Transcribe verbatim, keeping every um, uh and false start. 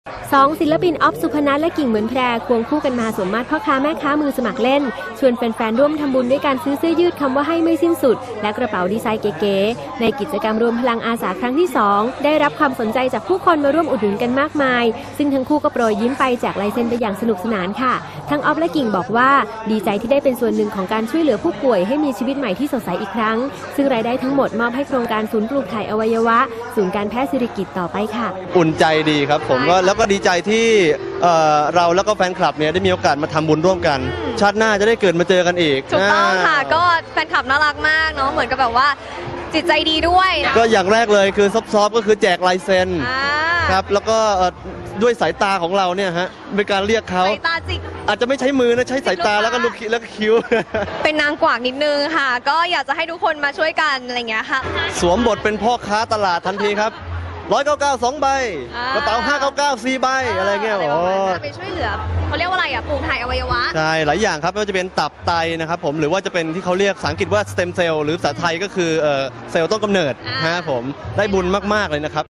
สองศิลปินออฟสุพนัทและกิ่งเหมือนแพรควงคู่กันมาสวมมาตรพ่อค้าแม่ค้ามือสมัครเล่นชวนแฟนๆร่วมทำบุญด้วยการซื้อเสื้อยืดคำว่าให้ไม่สิ้นสุดและกระเป๋าดีไซน์เก๋ๆในกิจกรรมรวมพลังอาสาครั้งที่สองได้รับความสนใจจากผู้คนมาร่วมอุดหนุนกันมากมายซึ่งทั้งคู่ก็โปรยยิ้มไปแจกลายเซ็นไปอย่างสนุกสนานค่ะทั้งออฟและกิ่งบอกว่าดีใจที่ได้เป็นส่วนหนึ่งของการช่วยเหลือผู้ป่วยให้มีชีวิตใหม่ที่สดใสอีกครั้งซึ่งรายได้ทั้งหมดมอบให้โครงการศูนย์ปลูกถ่ายอวัยวะศูนย์การแพทย์สิริกิติ์ต่อไปค่ะอุ่นใจดีครับผมก็แล้วก็ดีใจที่เอ่อเราแล้วก็แฟนคลับเนี่ยได้มีโอกาสมาทำบุญร่วมกันชาติหน้าจะได้เกิดมาเจอกันอีกถูกต้องค่ะก็แฟนคลับน่ารักมากเนาะเหมือนกับแบบว่าจิตใจดีด้วยก็อย่างแรกเลยคือซอฟต์ๆก็คือแจกลายเซ็นครับแล้วก็ด้วยสายตาของเราเนี่ยฮะเป็นการเรียกเขาสายตาจิกอาจจะไม่ใช้มือนะใช้สายตาแล้วก็ลุกแล้วก็คิ้วเป็นนางกวักนิดนึงค่ะก็อยากจะให้ทุกคนมาช่วยกันอะไรเงี้ยค่ะสวมบทเป็นพ่อค้าตลาดทันทีครับร้อยเก้าเก้าสองใบกระเป๋าห้าเก้าเก้าสี่ใบอะไรเงี้ยโอ้ไปช่วยเหลือเขาเรียกว่าอะไรอ่ะปลูกถ่ายอวัยวะใช่หลายอย่างครับไม่ว่าจะเป็นตับไตนะครับผมหรือว่าจะเป็นที่เขาเรียกภาษาอังกฤษว่าสเต็มเซลล์หรือภาษาไทยก็คือเซลล์ต้นกำเนิดฮะผมได้บุญมากๆเลยนะครับ